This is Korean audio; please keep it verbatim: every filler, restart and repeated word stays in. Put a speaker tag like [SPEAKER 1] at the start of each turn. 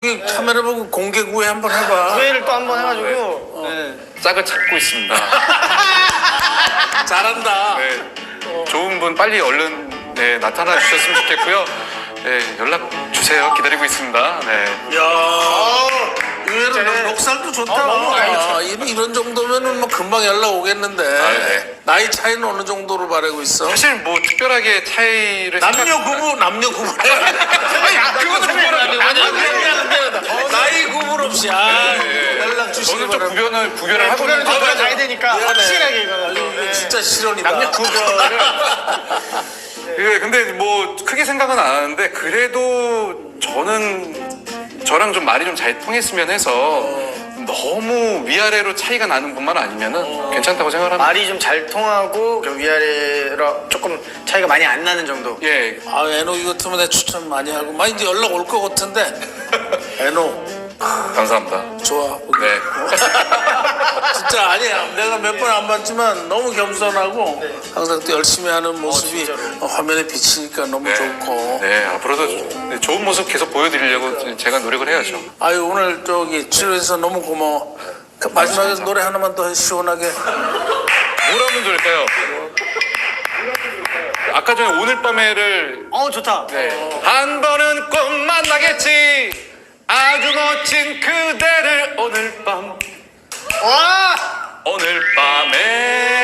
[SPEAKER 1] 카메라 보고 공개 구애 한번 해봐.
[SPEAKER 2] 구애를 또 한번 해가지고 네.
[SPEAKER 3] 짝을 찾고 있습니다.
[SPEAKER 1] 잘한다.
[SPEAKER 3] 네. 좋은 분 빨리 얼른 네, 나타나 주셨으면 좋겠고요. 네, 연락 주세요. 기다리고 있습니다. 네.
[SPEAKER 1] 야, 의외로 너 목살도 좋다.
[SPEAKER 2] 아, 너무
[SPEAKER 1] 아, 이런, 이런 정도면은 뭐 금방 연락 오겠는데.
[SPEAKER 3] 아, 네.
[SPEAKER 1] 나이 차이는 어느 정도로 바라고 있어?
[SPEAKER 3] 사실 뭐 특별하게 차이를
[SPEAKER 1] 남녀
[SPEAKER 3] 생각-
[SPEAKER 1] 구분, 남녀 구분.
[SPEAKER 3] 아, 그거는 구별 아니고
[SPEAKER 1] 나이 구분 없이 아,
[SPEAKER 3] 네.
[SPEAKER 1] 연락 주시기
[SPEAKER 3] 저는 좀
[SPEAKER 1] 바랍니다.
[SPEAKER 3] 구별을 구별을 하고
[SPEAKER 2] 구별을 좀
[SPEAKER 3] 있는데
[SPEAKER 2] 가야 되니까
[SPEAKER 1] 미안해.
[SPEAKER 2] 확실하게 이거는
[SPEAKER 1] 이거 진짜 실언이다.
[SPEAKER 2] 남녀 구별을
[SPEAKER 3] 예, 근데 뭐 크게 생각은 안 하는데 그래도 저는 저랑 좀 말이 좀 잘 통했으면 해서 너무 위아래로 차이가 나는 분만 아니면은 괜찮다고 생각합니다.
[SPEAKER 2] 말이 좀 잘 통하고 좀 위아래로 조금 차이가 많이 안 나는 정도.
[SPEAKER 3] 예,
[SPEAKER 1] 아, 애노 이거 때문에 내 추천 많이 하고. 막 이제 연락 올 것 같은데. 애노,
[SPEAKER 3] 감사합니다.
[SPEAKER 1] 좋아.
[SPEAKER 3] 네.
[SPEAKER 1] 진짜 아니야. 내가 몇 번 안 봤지만 너무 겸손하고 항상 또 열심히 하는 모습이 어, 화면에 비치니까 너무
[SPEAKER 3] 네.
[SPEAKER 1] 좋고.
[SPEAKER 3] 네, 앞으로도 좋은 모습 계속 보여드리려고 제가 노력을 해야죠.
[SPEAKER 1] 아유, 오늘 저기 출연해서 너무 고마워. 그 마지막에 노래 하나만 더 시원하게.
[SPEAKER 3] 뭘 하면 좋을까요? 아까 전에 오늘 밤에를
[SPEAKER 2] 어 좋다.
[SPEAKER 3] 네. 한 번은 꼭 만나겠지. 아주 멋진 그대를 오늘 밤
[SPEAKER 2] 와
[SPEAKER 3] 오늘 밤에